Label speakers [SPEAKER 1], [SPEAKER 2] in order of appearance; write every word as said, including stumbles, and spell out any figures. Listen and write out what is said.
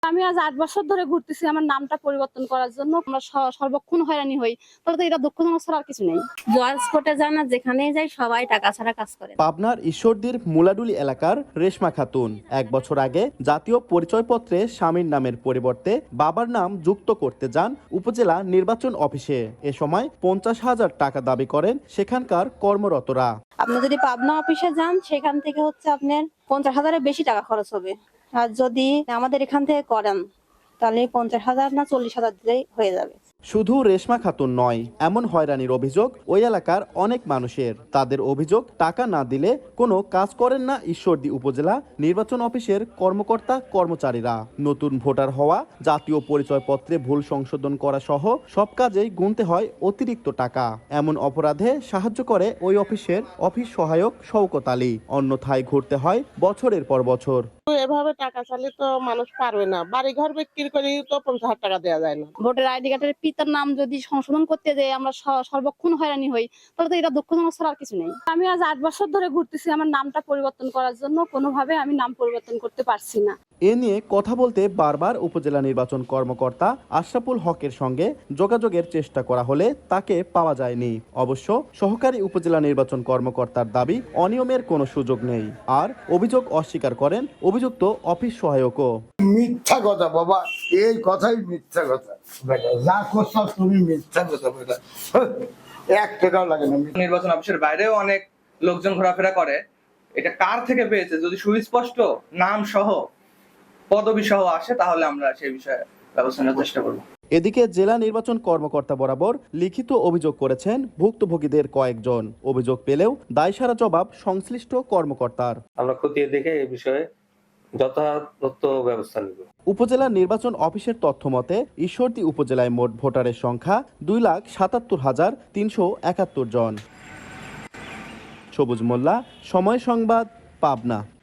[SPEAKER 1] আমি আজ আট বছর ধরে ঘুরতেছি আমার নামটা পরিবর্তন করার জন্য। আমরা সর্বক্ষণ হয়রানি হই। তাহলে তো এটা দুঃখজনক ছাড়া আর কিছু নেই।
[SPEAKER 2] জয়েন্স কোর্টে যান না, যেখানেই যাই সবাই টাকা ছাড়া কাজ করে।
[SPEAKER 3] পাবনার ঈশ্বরদীর মুলাডুলি এলাকার রেশমা খাতুন এক বছর আগে জাতীয় পরিচয়পত্রে স্বামীর নামের পরিবর্তে বাবার নাম যুক্ত করতে যান উপজেলা নির্বাচন অফিসে। এ সময় পঞ্চাশ হাজার টাকা দাবি করেন সেখানকার কর্মরতরা।
[SPEAKER 2] আপনি যদি পাবনা অফিসে যান, সেখান থেকে হচ্ছে আপনার পঞ্চাশ হাজারের বেশি টাকা খরচ হবে। আর যদি আমাদের এখান থেকে করেন, তাহলে পঞ্চাশ হাজার না চল্লিশ হাজার দিলেই হয়ে যাবে।
[SPEAKER 3] শুধু রেশমা খাতুন নয়, এমন হয়রানির অভিযোগ ওই এলাকার অনেক মানুষের। তাদের অভিযোগ, টাকা না দিলে কোনো কাজ করেন না ঈশ্বরদী উপজেলা নির্বাচন অফিসের কর্মকর্তা কর্মচারীরা। নতুন ভোটার হওয়া, জাতীয় পরিচয়পত্রে ভুল সংশোধন করা সহ সব কাজেই গুনতে হয় অতিরিক্ত টাকা। এমন অপরাধে সাহায্য করে ওই অফিসের অফিস সহায়ক শওকত আলী। অন্যথায় ঘুরতে হয় বছরের পর বছর।
[SPEAKER 4] এভাবে টাকা চাইলে তো মানুষ পারবে না। বাড়ি ঘর বিক্রি করে তো পঞ্চাশ হাজার টাকা দেওয়া যায় না।
[SPEAKER 1] ভোটার আইডি কার্ডের পিতার নাম যদি সংশোধন করতে যাই আমরা সর্বক্ষণ হয়রানি হই। তাহলে তো এটা দুঃখজনক ছাড়া আর কিছু নেই। আমি আজ আট বছর ধরে ঘুরতেছি আমার নামটা পরিবর্তন করার জন্য। কোনোভাবে আমি নাম পরিবর্তন করতে পারছি না।
[SPEAKER 3] এ নিয়ে কথা বলতে বারবার উপজেলা নির্বাচন কর্মকর্তা আশরাফুল হকের সঙ্গে যোগাযোগের চেষ্টা করা হলে তাকে পাওয়া যায়নি। অবশ্য সহকারী উপজেলা নির্বাচন কর্মকর্তার দাবি, অনিয়মের কোনো সুযোগ নেই। আর অভিযোগ অস্বীকার করেন অভিযুক্ত অফিস সহায়কও।
[SPEAKER 5] মিথ্যা কথা বাবা, এই কথাই মিথ্যা কথা। যা করছো তুমি মিথ্যা কথা বেটা, এক টাকাও লাগে না।
[SPEAKER 6] নির্বাচন অফিসের বাইরেও অনেক লোকজন ঘোরাফেরা করে। এটা কার থেকে পেয়েছে যদি সুস্পষ্ট নাম সহ পদবি সহ আসে, তাহলে আমরা সেই বিষয়ে ব্যবস্থা নেওয়ার চেষ্টা করব।
[SPEAKER 3] এদিকে জেলা নির্বাচন কর্মকর্তা বরাবর লিখিত অভিযোগ করেছেন ভুক্তভোগীদের কয়েকজন। অভিযোগ পেলেও দায়সারা জবাব সংশ্লিষ্ট কর্মকর্তার।
[SPEAKER 7] আমরা খতিয়ে দেখে এই বিষয়ে যথাযথ ব্যবস্থা নেব।
[SPEAKER 3] উপজেলা নির্বাচন অফিসের তথ্য মতে ঈশ্বরদী উপজেলায় মোট ভোটারের সংখ্যা দুই লাখ সাতাত্তর হাজার তিনশো একাত্তর জন। সবুজ মোল্লা, সময় সংবাদ, পাবনা।